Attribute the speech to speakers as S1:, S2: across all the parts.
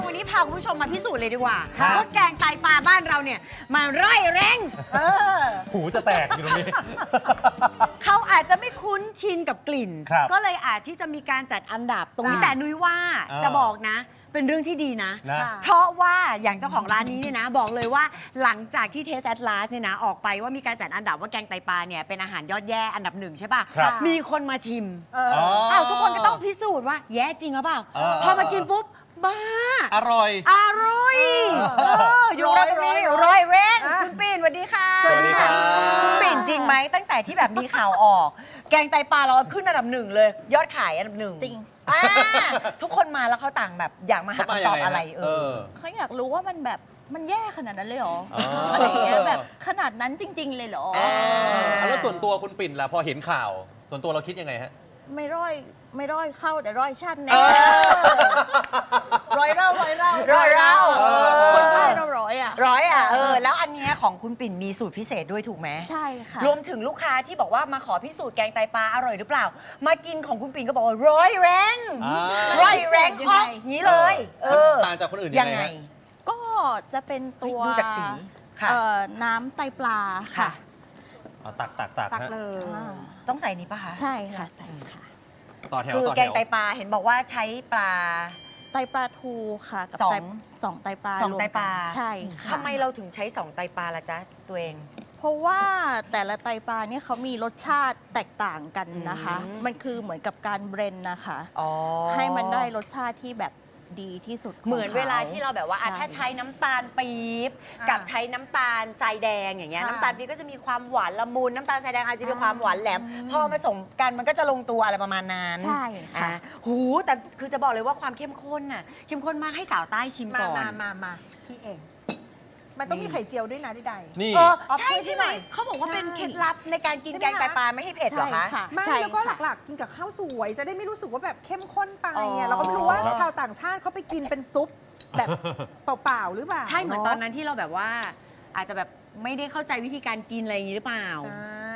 S1: วันนี้พาคุณผู้ชมมาพิสูจน์เลยดีกว่าว่าแกงไตปลาบ้านเราเนี่ยมันร่อยแรง
S2: หูจะแตกอยู่ตรงนี้
S1: เขาอาจจะไม่คุ้นชินกับกลิ่น
S2: ครับ
S1: ก็เลยอาจที่จะมีการจัดอันดับตรงนี้
S2: จ้ะ
S1: แต่นุ้ยว่าจะบอกนะ เป็นเรื่องที่ดีนะ
S2: นะ
S1: เพราะว่าอย่างเจ้าของร้านนี้เนี่ยนะ บอกเลยว่าหลังจากที่เทสแอดลาสเนี่ยนะออกไปว่ามีการจัดอันดับว่าแกงไตปลาเนี่ยเป็นอาหารยอดแย่อันดับ1ใช่ป่ะ
S2: ครับ
S1: มีคนมาชิม
S2: อ้าว
S1: ทุกคนก็ต้องพิสูจน์ว่าแย่จริงหรือเปล่า พอมากินปุ๊บบ้า
S2: อร่อย
S1: อร่อยอยู่รอยเว้นคุณปิ่นสวัสดีค่ะ
S2: สวัสดีครับ
S1: คุณปิ่นจริงไหมตั้งแต่ที่แบบมีข่าวออก แกงไตปลาเราขึ้นอันดับ1เลย ยอดขายอันดับ1
S3: จริง
S1: ทุกคนมาแล้วเขาต่างแบบอยากมาหาคำตอบอะไร
S3: เขาอยากรู้ว่ามันแบบมันแย่ขนาดนั้นเลยเหรอ
S2: อ๋ออ
S3: อะไรอย่างเงี้ยแบบขนาดนั้นจริง ๆ เลยเหรอ
S4: แล้วส่วนตัวคุณปิ่นล่ะพอเห็นข่าว ส่วนตัวเราคิดยังไงฮะ
S3: ไม่ร้อยเข้าแต่ร้อยชั้นแน่
S1: ร้อยเล่า
S3: คนใต้เราร้อยอ่ะ
S1: แล้วอันเนี้ยของคุณปิ่นมีสูตรพิเศษด้วยถูกไหม
S3: ใช่ค่ะ
S1: รวมถึงลูกค้าที่บอกว่ามาขอพิสูจน์แกงไตปลาอร่อยหรือเปล่า มากินของคุณปิ่นก็บอกว่าร้อยแรง
S4: อ่า
S1: ร้อยแรง
S3: ยัง
S1: อ
S3: ไง
S1: อกงี้เลย
S4: ต่างจากคนอื่น
S1: ยั
S4: ยัง ง
S1: ไง
S4: ไงฮะ
S3: ก็จะเป็นตัว
S1: ดูจากสีค่ะ
S3: น้ำไตปลาค่ะ
S2: เอาตัก
S1: ตัก
S2: ฮะ
S1: เลย
S3: อ่า
S1: ต้องใส่นี้ปะคะ
S3: ใช่ค่ะใส่ค่ะ
S4: ต่อแถว
S1: คือ
S4: ต่อ
S1: แก
S4: แถ
S1: ง
S4: ว
S1: ไตปลาเห็นบอกว่าใช้ปลา
S3: ไตปลาทูค่ะกับ
S1: สอง
S3: สองไตปลา
S1: สองไตปลา
S3: รวมกันใช่ค่ะ
S1: ทำไมเราถึงใช้2ไตปลาล่ะจ๊ะตัวเอง
S3: เพราะว่าแต่ละไตปลาเนี่ยเขามีรสชาติแตกต่างกันนะคะ
S1: อืม
S3: มันคือเหมือนกับการเบรนนะคะ
S1: อ๋อ
S3: ให้มันได้รสชาติที่แบบดีที่สุดของ
S1: เหมือนเวลาที่
S3: ข
S1: เราแบบว่าอ่ะ
S3: ใช่
S1: ถ้าใช้น้ำตาลปี๊บกับใช้น้ำตาลทรายแดงอย่างเงี้ยน้ำตาลปี๊บก็จะมีความหวานละมุนน้ำตาลทรายแดงอาจจะมีความหวานแหลม พอผสมกันมันก็จะลงตัวอะไรประมาณนั้น
S3: ใช่ค่ะ
S1: อ่ะหูแต่คือจะบอกเลยว่าความเข้มข้นน่ะเข้มข้นมากให้สาวใต้ชิมก่อน
S5: มาพี่เอง มันต้องมีไข่เจียวด้วยนะใด
S4: นี่
S1: ใช่ใช่ไหมเขาบอกว่าเป็นเคล็ดลับในการกินแกงไตปลาไม่ให้เผ็ดเหรอคะ
S3: ใช่ค่ะ
S5: ๆไม่
S3: ใช่
S5: แล้วก็
S3: ค่ะ
S5: หลักๆ กินกับข้าวสวย จะได้ไม่รู้สึกว่าแบบเข้มข้นไป
S1: อ๋อ
S5: อ่ะเราก็ไม่รู้ว่า
S2: ครับ
S5: ชาวต่างชาติเขาไปกินเป็นซุปแบบเปล่าๆหรือเปล่า
S1: ใช่เหมือนตอนนั้น
S5: เ
S1: ที่เราแบบว่า อาจจะแบบไม่ได้เข้าใจวิธีการกินอะไรอย่างนี้หรือเปล่า
S5: ใช่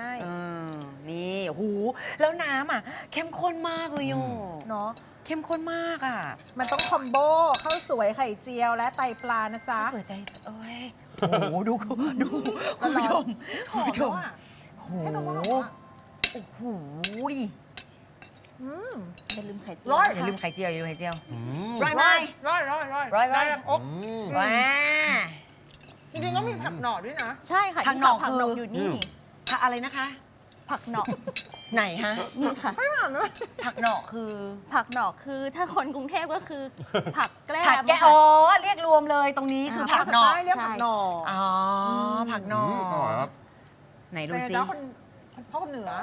S1: เออนี่หูแล้วน้ำอ่ะ เข้มข้นมากเลยโย
S5: เนาะ
S1: เข้มข้นมากอ่ะ
S5: มันต้องคอมโบข้าวสวยไข่เจียวและไตปลานะจ๊ะ
S1: สวยใจเอ้ยโอ้โหดูคุณผู้ชมคุณผู้ชม
S5: หอมแล้วอะ
S1: โอ้โห
S5: ให้ดมว่าหอมอะ
S1: โอ้โห
S5: อืม
S3: อย่าลืมไข่เจียว
S5: ร้อย
S1: อย่าลืมไข่เจียวอย่าลืมไข่เจียว
S4: อืม
S1: ร้อยไหม
S5: ร้อย
S1: ร้อย
S4: อืม
S1: ว้า
S5: จริงๆต้องมีผักหน่อด้วยนะ
S3: ใช่ค่ะ
S1: ผักหน่อ
S3: ผัก
S1: คือ
S3: หน่ออยู่นี่
S1: ผักอะไรนะคะ
S3: ผักหน่อ
S1: ไหนฮะ
S3: นี่ค่ะ
S1: ผักหน่อคือ
S3: ผักหน่อคือถ้าคนกรุงเทพก็คือ ผักแกล้ม
S1: ผักแกะ
S3: ค่ะ
S1: อ๋อเรียกรวมเลยตรงนี้คือผักหน่อ
S5: ภาษาใต้เรียกผักหน่อ
S1: อ๋อผักหน่อ
S4: อร่อยครับ
S1: ไหนดู
S5: เป็น
S1: ซิ
S5: แล้วคนพ่อคนเหนือ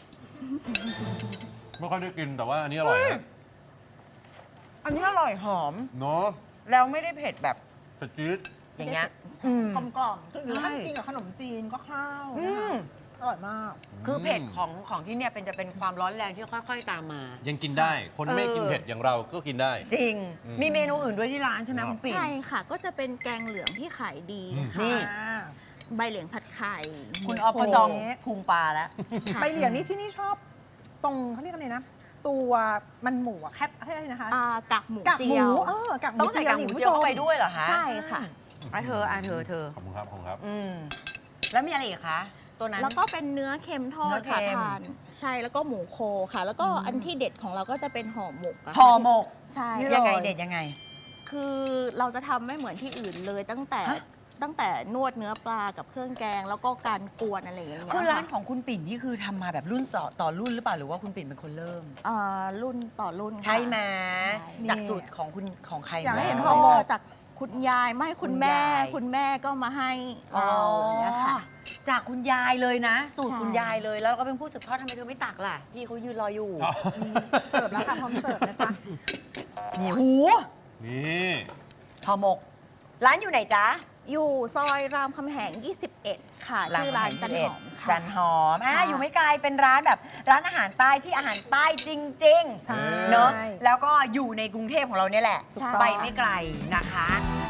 S4: ไม่ค่อยได้กินแต่ว่าอันนี้อร่อยนะ
S1: อันนี้อร่อยหอม
S4: เนาะ
S1: แล้วไม่ได้เผ็ดแบบ
S4: แต่จี๊ด
S1: อย่างเงี้ย
S5: กลมๆคือหรือถ้า
S1: ใช่
S5: กินกับขนมจีนก็ข้าว
S1: อื
S5: นะคะ
S1: ม
S5: อร่อยมาก
S1: คือเผ็ดของที่เนี่ยจะเป็นความร้อนแรงที่ค่อยๆตามมา
S4: ยังกินได้ คนไม่กินเผ็ดอย่างเราก็กินได้
S1: จริง
S4: อืม
S1: มีเมนูอื่นด้วยที่ร้านใช่ไหม
S4: ครับ
S1: คุณปิ่น
S3: ใช่ค่ะ ก็จะเป็นแกงเหลืองที่ขายดี
S1: นี่
S3: ค่ะ ใบเหลียงผัดไข่
S1: คุณออฟก็จองพุงปลาแล้ว
S3: ค่ะ
S5: ใบเหลียงนี่ที่นี่ชอบ ตรงเขาเรียกอะไรนะ ตัวมันหมูอะแคบอะไรนะคะ
S3: กากหมู
S5: กากห
S3: เจี
S5: มู
S3: ยว
S5: กากหมู
S1: ต้องใส่กากหมู
S5: นี่คุณ
S1: เจี
S5: ผู้
S1: ยว
S5: ชม
S1: เข้าไปด้วยเหรอคะ
S3: ใช่ค่ะ
S1: เธอ
S4: ขอบคุณครับขอบคุณครับ
S1: อืมแล้วมีอะไรอีกคะ ตัวนั้น
S3: แล้วก็เป็นเนื้อเค็มทอดค่ะ
S1: เนื้อเค็ม
S3: ทานใช่แล้วก็หมูโคค่ะ แล้วก็อันที่เด็ดของเราก็จะเป็นห่อหมกะค่ะ
S1: ห่อหมก
S3: ใช่
S1: ยังไงเด็ดยังไง
S3: คือเราจะทำไม่เหมือนที่อื่นเลยตั้งแต่นวดเนื้อปลากับเครื่องแกง แล้วก็การกวนอะไรอย่างเงี้ย
S1: คือร้านข
S3: ค่ะ
S1: องคุณปิ่นนี่คือทำมาแบบรุ่นต่อรุ่นหรือเปล่าหรือว่าคุณปิ่นเป็นคนเริ่ม
S3: รุ่นต่อรุ่นค่ะ
S1: ใช่ไหม
S3: ใช่
S1: จากสูตรของคุณของใคร
S5: อยากให้เห็น
S1: มา
S5: ห่อหมก
S3: จากคุณยายไม่คุณแม่
S1: คุณยาย
S3: คุณแม่ก็มาให้
S1: อ๋อ
S3: เราอย่างเงี้ยค่ะ
S1: จากคุณยายเลยนะ สูตร
S3: ใช่
S1: คุณยายเลยแล้วเราก็เป็นผู้สืบทอดทำไมเธอไม่ตักล่ะ พี่เขายืนรออยู่
S5: เสิร์ฟแล้วค่ะพร้อมเสิร์ฟนะจ๊ะ
S1: นี่หู
S4: นี่
S1: ห่อหมก ร้านอยู่ไหนจ๊ะ
S3: อยู่ซอยรามคำแหง 21 ค่ะชื่อร้านจันหอมค่ะ
S1: จันหอม
S3: ค่ะ
S1: อยู่ไม่ไกลเป็นร้านแบบร้านอาหารใต้ที่อาหารใต้จริง
S5: ใช่
S1: ๆเนอะแล้วก็อยู่ในกรุงเทพของเราเนี่ยแหละ
S3: ใช่
S1: ไปไม่ไกลนะคะ